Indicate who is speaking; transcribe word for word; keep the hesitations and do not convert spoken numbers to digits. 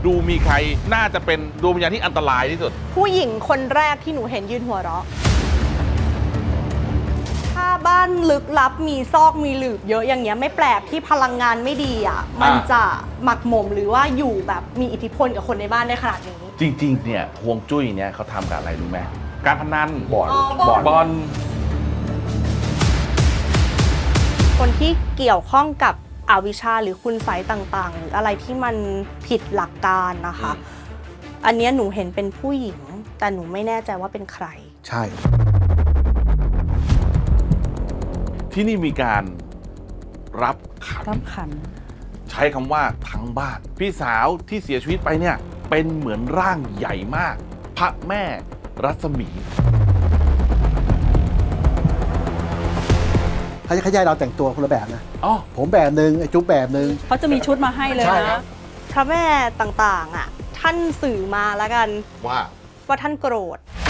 Speaker 1: ดูมีใครน่าจะเป็นดวงวิญญาณที่อันตรายที่สุด
Speaker 2: ผู้หญิงคนแรกที่หนูเห็นยืนหัวเราะถ้าบ้านลึกลับมีซอกมีหลืบเยอะอย่างเงี้ยไม่แปลกที่พลังงานไม่ดีอ่ะมันจะหมักหมมหรือว่าอยู่แบบมีอิทธิพลกับคนในบ้านได้ขนาดนี้
Speaker 1: จริงๆเนี่ยฮวงจุ้ยเนี่ยเขาทำกับอะไรรู้ไหมการพนันบอล
Speaker 2: บอล
Speaker 1: บอล
Speaker 2: คนที่เกี่ยวข้องกับอวิชชาหรือคุณไสยต่างๆหรืออะไรที่มันผิดหลักการนะคะ อันเนี้ยหนูเห็นเป็นผู้หญิงแต่หนูไม่แน่ใจว่าเป็นใคร
Speaker 3: ใช่
Speaker 1: ที่นี่มีการรับขัน
Speaker 4: รับขัน
Speaker 1: ใช้คำว่าทั้งบ้านพี่สาวที่เสียชีวิตไปเนี่ยเป็นเหมือนร่างใหญ่มากพระแม่รัศมี
Speaker 3: เขาจะขยายเราแต่งตัวคนละแบบนะ
Speaker 1: อ๋อ
Speaker 3: ผมแบบหนึ่งไอ้จุ๊บแบบหนึ่ง
Speaker 4: เขาจะมีชุดมาให้เลย
Speaker 3: ใช่ครั
Speaker 4: นะ
Speaker 3: บ
Speaker 2: พระแม่ต่างๆอ่ะท่านสื่อมาแล้วกัน
Speaker 1: ว่า
Speaker 2: ว่าท่านโกรธ